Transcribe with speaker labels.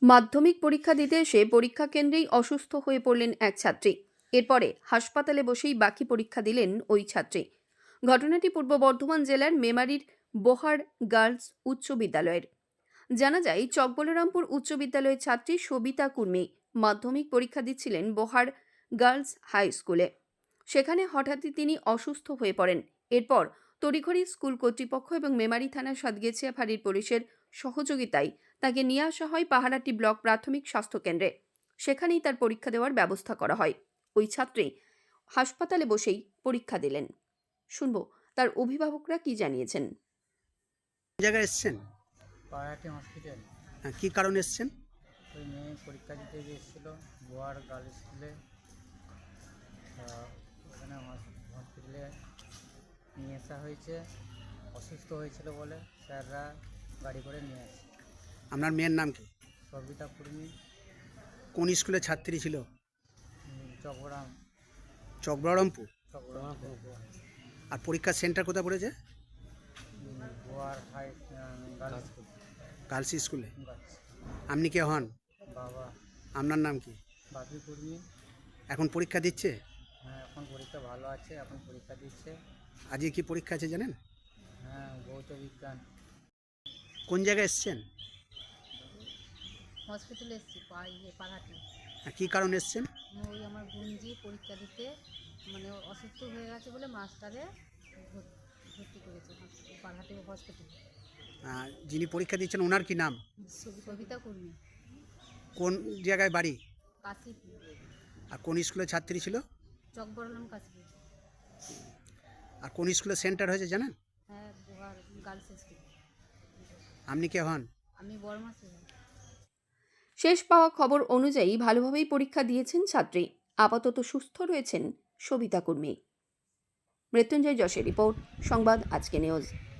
Speaker 1: মাধ্যমিক পরীক্ষা দিতে এসে পরীক্ষা কেন্দ্রেই অসুস্থ হয়ে পড়লেন এক ছাত্রী। এরপরে হাসপাতালে বসেই বাকি পরীক্ষা দিলেন ওই ছাত্রী। ঘটনাটি পূর্ব বর্ধমান জেলার মেমারির বোহার গার্লস উচ্চ বিদ্যালয়ের। জানা যায়, চকবলরামপুর উচ্চ বিদ্যালয়ের ছাত্রী সবিতা কুর্মী মাধ্যমিক পরীক্ষা দিচ্ছিলেন বোহার গার্লস হাই স্কুলে। সেখানে হঠাৎই তিনি অসুস্থ হয়ে পড়েন। এরপর তড়িঘড়ি স্কুল কর্তৃপক্ষ এবং মেমারি থানার সাতগেছিয়া ফাঁড়ির পুলিশের সহযোগিতায় তাকে নিয়ে আসা হয় পাহারাটি ব্লক প্রাথমিক স্বাস্থ্যকেন্দ্রে। সেখানেই তার পরীক্ষা দেওয়ার ব্যবস্থা করা হয়। ওই ছাত্রী হাসপাতালে বসেই পরীক্ষা দিলেন। শুনব তার অভিভাবকরা কি জানিয়েছেন।
Speaker 2: জায়গায় এসছেন?
Speaker 3: পাহারাটি হসপিটাল।
Speaker 2: কি কারণে এসছেন?
Speaker 3: ওই মেয়ে পরীক্ষা দিতে গিয়েছিল বোয়ার গার্লস স্কুলে। ওখানে হসপিটালে নিয়ে আসা হয়েছে। অসুস্থ হয়েছিল বলে স্যাররা গাড়ি করে নিয়ে আসে।
Speaker 2: আপনার মেয়ের নাম কি?
Speaker 3: সবিতা কুর্মী।
Speaker 2: কোন স্কুলে ছাত্রী ছিল?
Speaker 3: চকবরামপুর।
Speaker 2: চকবলরামপুর। আর পরীক্ষার সেন্টার কোথায় পড়েছে?
Speaker 3: Boyar high girls school.
Speaker 2: Girls স্কুলে। আপনি কে হন?
Speaker 3: বাবা।
Speaker 2: আপনার নাম কি?
Speaker 3: বাপি কুর্মী।
Speaker 2: এখন পরীক্ষা দিচ্ছে?
Speaker 3: হ্যাঁ, এখন পরীক্ষা ভালো আছে, এখন পরীক্ষা দিচ্ছে।
Speaker 2: আজকে কি পরীক্ষা আছে জানেন?
Speaker 3: হ্যাঁ, ভৌত বিজ্ঞান।
Speaker 2: কোন জায়গায় এসছেন?
Speaker 4: হসপিটালে এসেছি পাড়াটি।
Speaker 2: কি কারণে এসছেন?
Speaker 4: ওই আমার বোনজি পরীক্ষা দিতে অসুস্থ হয়ে গেছে বলে মাস্টারে ভর্তি করেছে পাড়াটি হসপিটালে।
Speaker 2: যিনি পরীক্ষা দিচ্ছেন ওনার কি নাম?
Speaker 4: সবিতা কুর্মী।
Speaker 2: কোন জায়গায় বাড়ি?
Speaker 4: কাশীপুর।
Speaker 2: আর কোন স্কুলে ছাত্রী ছিল?
Speaker 4: চকবরলাম কাশীপুর।
Speaker 2: আর কোন স্কুলে সেন্টার হয়েছে জানেন?
Speaker 4: হ্যাঁ, বোহার গার্লস স্কুল।
Speaker 2: আপনি কে হন?
Speaker 4: আমি বড়মা ছিল।
Speaker 1: শেষ পাওয়া খবর অনুযায়ী ভালোভাবেই পরীক্ষা দিয়েছেন ছাত্রী। আপাতত সুস্থ রয়েছেন সবিতা কুর্মী। মৃত্যুঞ্জয় যশের রিপোর্ট, সংবাদ আজকে নিউজ।